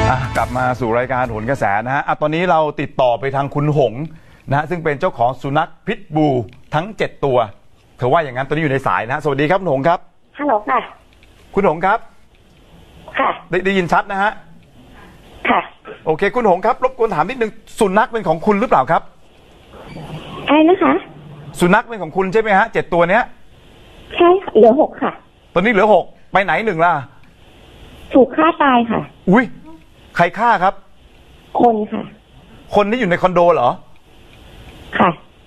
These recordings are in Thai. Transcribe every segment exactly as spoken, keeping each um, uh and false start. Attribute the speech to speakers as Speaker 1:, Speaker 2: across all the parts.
Speaker 1: กลับมาสู่รายการโหนกระแสนะฮะตอนนี้เราติดต่อไปทางคุณหงนะฮะซึ่งเป็นเจ้าของสุนัขพิษบูทั้งเจ็ดตัวเธอว่าอย่างนั้นตอนนี้อยู่ในสายนะฮะสวัสดีครับคุณหงครับ
Speaker 2: ฮัลโหลค่ะ
Speaker 1: คุณหงครับ
Speaker 2: ค่ะ
Speaker 1: ได้ได้ยินชัดนะฮะ
Speaker 2: ค่ะ
Speaker 1: โอเคคุณหงครับรบกวนถามนิดนึงสุนัขเป็นของคุณหรือเปล่าครับ
Speaker 2: อะไรนะคะ
Speaker 1: สุนัขเป็นของคุณใช่ไหมฮะเจ็ดตัวเนี้ย
Speaker 2: ใช่เหลือหกค่ะ
Speaker 1: ตอนนี้เหลือหกไปไหนหนึ่งล่ะ
Speaker 2: ถูกฆ่าตายค่ะ
Speaker 1: อุ้ยใครฆ่าครับ
Speaker 2: คนค่ะ
Speaker 1: คนที่อยู่ในคอนโดเหรอ
Speaker 2: ค่ะ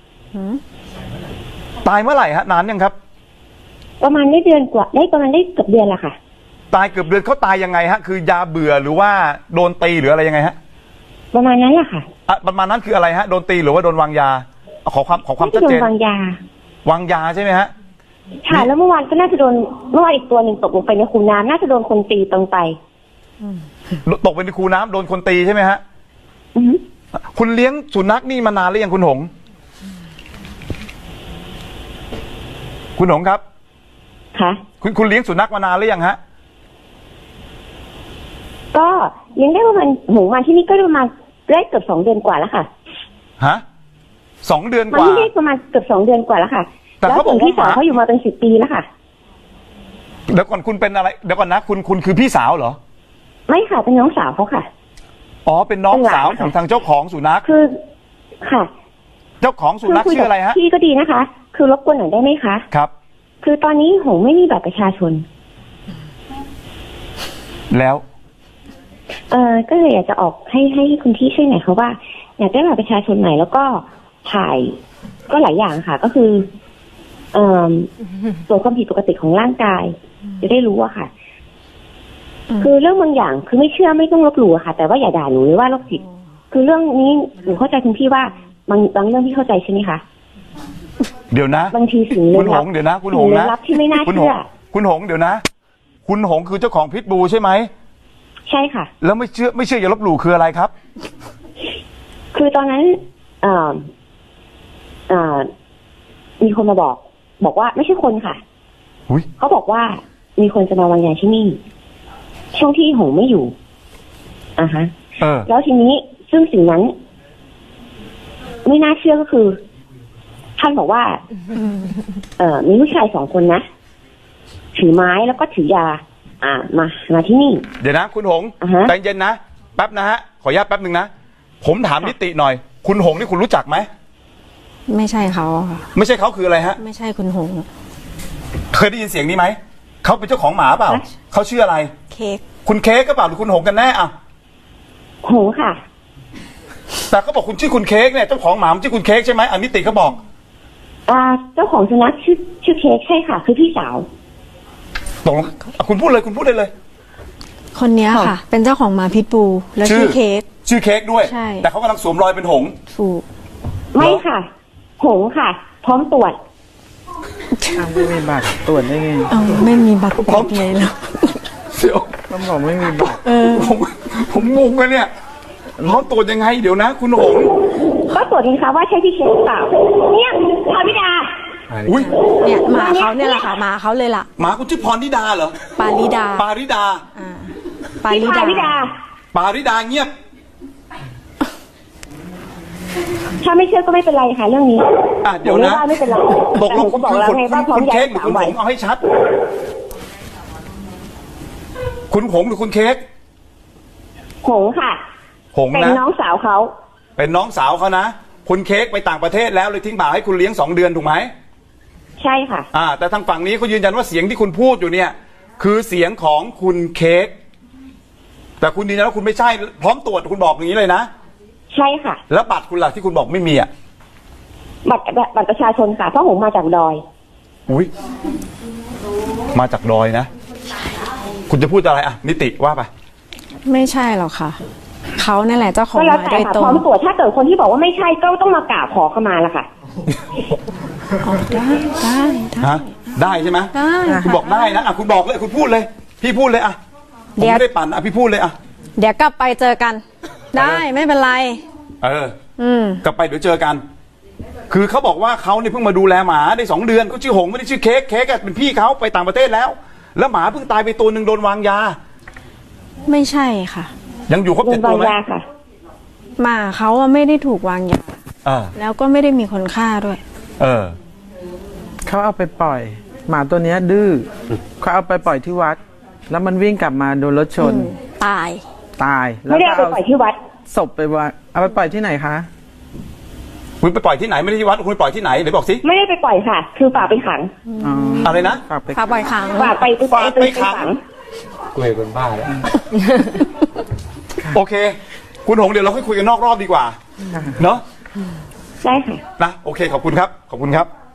Speaker 1: ตายเมื่อไหร่ฮะนานยังครับ
Speaker 2: ประมาณได้เดือนกว่าได้ประมาณได้เกือบเดือนละค่ะ
Speaker 1: ตายเกือบเดือนเขาตายยังไงฮะคือยาเบื่อหรือว่าโดนตีหรืออะไรยังไงฮะ
Speaker 2: ประมาณนั้นแหละค่ะ
Speaker 1: อ่ะประมาณนั้นคืออะไรฮะโดนตีหรือว่าโดนวางยาขอความขอความชัดเจน
Speaker 2: โดนวางย
Speaker 1: าวางยาใช่ไหมฮะ
Speaker 2: ค่ะแล้วเมื่อวานก็น่าจะโดนเมื่อวานอีกตัวหนึ่งตกลงไปในคูน้ำน่าจะโดนคนตีตรงไป
Speaker 1: ตกไปในคูน้ำโดนคนตีใช่ไหมฮะคุณเลี้ยงสุนัขนี่มานานหรือยังคุณหงคุณหงครับ
Speaker 2: ค่ะ
Speaker 1: คุณคุณเลี้ยงสุนัขมานานหรือยังฮะ
Speaker 2: ก็เลี้ยงได้ประมาณหมูมาที่นี่ก็ประมาณได้เกือบสองเดือนกว่าแล้วค่ะ
Speaker 1: ฮะสองเดือนกว่า
Speaker 2: มาที่นี่ประมาณเกือบสองเดือนกว่าแล้วค่ะแต่เขาบอกพี่สาวเขาอยู่มาเป็นสิบปีแล้วค่ะ
Speaker 1: เดี๋ยวก่อนคุณเป็นอะไรเดี๋ยวก่อนนะคุณคุณคือพี่สาวเหรอ
Speaker 2: ไม่ค่ะเป็นน้องสาวเขาค่ะ
Speaker 1: อ๋อเป็นน้องสาวของทางเจ้าของสุนัข
Speaker 2: คือค่ะ
Speaker 1: เจ้าของสุนัขชื่ออะไรฮะ
Speaker 2: พี่ก็ดีนะคะคือรบกวนหน่อยได้ไหมคะ
Speaker 1: ครับ
Speaker 2: คือตอนนี้หงไม่มีบัตรประชาชน
Speaker 1: แล้ว
Speaker 2: เออก็เลยอยากจะออกให้ให้คุณพี่ช่วยหน่อยเขาว่าอยากได้บัตรประชาชนใหม่แล้วก็ถ่ายก็หลายอย่างค่ะก็คือเอ่อตรวจความผิดปกติของร่างกายจะได้รู้อะค่ะคือเรื่องบางอย่างคือไม่เชื่อไม่ต้องลบหลู่ค่ะแต่ว่าอย่าด่าหนูหรือว่าโรคจิตคือเรื่องนี้หนูเข้าใจคุณพี่ว่าบางบางเรื่องที่เข้าใจใช่ไหมคะ
Speaker 1: เดี๋ยวนะ
Speaker 2: บางทีสิ่งลึกลับ
Speaker 1: คุณหงเดี๋ยวนะคุณหงนะ
Speaker 2: ที่ไม่น่าเชื่อ
Speaker 1: คุณหงเดี๋ยวนะคุณหงคือเจ้าของพิษบูใช่ไหม
Speaker 2: ใช่ค่ะ
Speaker 1: แล้วไม่เชื่อไม่เชื่ออย่าลบหลู่คืออะไรครับ
Speaker 2: คือตอนนั้นเอ่อเอ่อมีคนมาบอกบอกว่าไม่ใช่คนค่ะเขาบอกว่ามีคนจะมาวางยาที่นี่ช่วงที่หงไม่อยู่อ่าฮะแล้วทีนี้ซึ่งสิ่งนั้นไม่น่าเชื่อก็คือท่านบอกว่าเอ่อมีผู้ชายสองคนนะถือไม้แล้วก็ถือยาอ่ามามาที่นี่
Speaker 1: เดี๋ยวนะคุณหงใจเย็นนะแป๊บนะฮะขออนุญาตแป๊บนึงนะผมถามนิติหน่อยคุณหงนี่คุณรู้จักไหม
Speaker 3: ไม่ใช่เขาค่ะ
Speaker 1: ไม่ใช่เขาคืออะไรฮะ
Speaker 3: ไม่ใช่คุณหง
Speaker 1: เคยได้ยินเสียงนี้ไหมเขาเป็นเจ้าของหมาเปล่าเขาชื่ออะไร
Speaker 3: เค้ก
Speaker 1: คุณเค้กก็เปล่าหรือคุณหงกันแน่อ่ะ
Speaker 2: หงค่ะ
Speaker 1: แต่เขาบอกคุณชื่อคุณเค้กเนี่ยเจ้าของหมาชื่อคุณเค้กใช่ไหมอันนิติเขาบอก
Speaker 2: อ่าเจ้าของสุนัขชื่อชื่อเค้กใช่ค่ะคือพี่สาว
Speaker 1: ตรงคุณพูดเลยคุณพูดได้เลย
Speaker 3: คนนี้ค่ะเป็นเจ้าของหมาพิษบูแล้วชื่อเค้ก
Speaker 1: ชื่อเค้กด้วยใช่แต่เขากำลังสวมรอยเป็นหง
Speaker 3: ถูก
Speaker 2: ไม่ค่ะหงค่ะพร้อมตรวจ
Speaker 4: ไม่มีบัตรตรวจได้ไง
Speaker 3: เออไม่มีบัตรพร้อมเลยแล้ว
Speaker 1: เดี๋ยว
Speaker 4: ต้องบอกไม่มีบัตร
Speaker 3: เออ
Speaker 1: ผมผมงงเลยเนี่ยพร้อมตรวจยังไงเดี๋ยวนะคุณหง
Speaker 2: ก็ตรวจดีค่ะว่าใช่พี่เค้กเปล่าเนี่ยพรธิดา
Speaker 1: อุ้ย
Speaker 3: เนี่ยหมาเขาเนี่ยแหละค่ะหมาเขาเลยล่ะ
Speaker 1: หมาคุณชื่อพรธิดาเหรอ
Speaker 3: ปาริดา
Speaker 1: ปาริดา
Speaker 3: อ่าปาริดา
Speaker 1: ปาริดาเงียบ
Speaker 2: ถ้าไม่เชื่อก็ไม่เป็นไรค่ะเรื่องนี้
Speaker 1: อ่ะเดี๋ยวนะ
Speaker 2: ไม่เป็นไร
Speaker 1: ตกลงก็บอกแล้วไงว่าคุณเค้กหรือคุณหงเอาให้ชัดคุณหงหรือคุณเค้ก
Speaker 2: หงค่ะ
Speaker 1: หงนะ
Speaker 2: เป็นน้องสาวเขา
Speaker 1: เป็นน้องสาวเขานะคุณเค้กไปต่างประเทศแล้วเลยทิ้งหมาให้คุณเลี้ยงสองเดือนถูกไหม
Speaker 2: ใช่ค่ะ
Speaker 1: อ่าแต่ทางฝั่งนี้เขายืนยันว่าเสียงที่คุณพูดอยู่เนี่ยคือเสียงของคุณเค้กแต่คุณยืนยันว่าคุณไม่ใช่พร้อมตรวจคุณบอกอย่างนี้เลยนะ
Speaker 2: ใช่ค่ะ
Speaker 1: แล้วบัตรคุณล่ะที่คุณบอกไม่มีอ่ะ
Speaker 2: บัตรบัตรประชาชนค่ะเพราะผมมาจากดอย
Speaker 1: อุ้ยมาจากดอยนะคุณจะพูดอะไรอ่ะนิติว่าไป
Speaker 3: ไม่ใช่หรอกค่ะเขานั่นแหละเจ้าของหมาโดยตรง
Speaker 2: พร้อมตรวจถ้าเกิดคนที่บอกว่าไม่ใช่ก็ต้องมากราบขอเข้ามาละค่ะ
Speaker 3: ได้ได้
Speaker 1: ฮะได้ใช่ไหม
Speaker 3: ได้
Speaker 1: คุณบอกได้นะอ่ะคุณบอกเลยคุณพูดเลยพี่พูดเลยอ่ะผมไม่ได้ปั่นอ่ะพี่พูดเลยอ่ะ
Speaker 3: เดี๋ยวกลับไปเจอกันได้ไม่เป็นไร
Speaker 1: เอออืมกลับไปเดี๋ยวเจอกันคือเขาบอกว่าเขาเนี่ยเพิ่งมาดูแลหมาได้สองเดือนเขาชื่อหงไม่ได้ชื่อเค้กเค้กเป็นพี่เขาไปต่างประเทศแล้วแล้วหมาเพิ่งตายไปตัวหนึ่งโดนวางยา
Speaker 3: ไม่ใช่ค่ะ
Speaker 1: ยังอยู่ครบ
Speaker 2: โด
Speaker 1: เจ็
Speaker 2: น
Speaker 1: ด
Speaker 2: วา
Speaker 1: ตัว
Speaker 2: ง
Speaker 1: ไหม
Speaker 2: ยาค่ะ
Speaker 3: หมาเขาอะไม่ได้ถูกวางยา
Speaker 1: เออ
Speaker 3: แล้วก็ไม่ได้มีคนฆ่าด้วย
Speaker 1: เออ
Speaker 4: เขาเอาไปปล่อย หมาตัวเนี้ยดื้อเขาเอาไปปล่อยที่วัด แล้วมันวิ่งกลับมาโดนรถชน
Speaker 3: ตาย
Speaker 4: ตาย
Speaker 2: ไม่ได้เอาไปปล่อยที่วัด
Speaker 4: ศพไปว่าเอาไปปล่อยที่ไหนคะ
Speaker 1: คุณไปปล่อยที่ไหนไม่ได้ที่วัดคุณไปปล่อยที่ไหนเดี๋ยวบอกสิ
Speaker 2: ไม่ได้ไปปล่อยค่ะ คือฝากไปขัง
Speaker 4: อ๋อ
Speaker 1: อะไรนะ
Speaker 4: ฝากไป
Speaker 3: พาปล่อยขัง
Speaker 2: ฝากไปไป
Speaker 1: ฝากไป
Speaker 2: ไป
Speaker 1: ขัง
Speaker 2: ขัง
Speaker 5: กูเห็นคนบ้าแล้ว
Speaker 1: โอเค คุณหงเดี๋ยวเราค่อยคุยกันนอกรอบดีกว่า เนาะ
Speaker 2: ได้ค่ะ
Speaker 1: นะโอเคขอบคุณครับ ขอบคุณครับ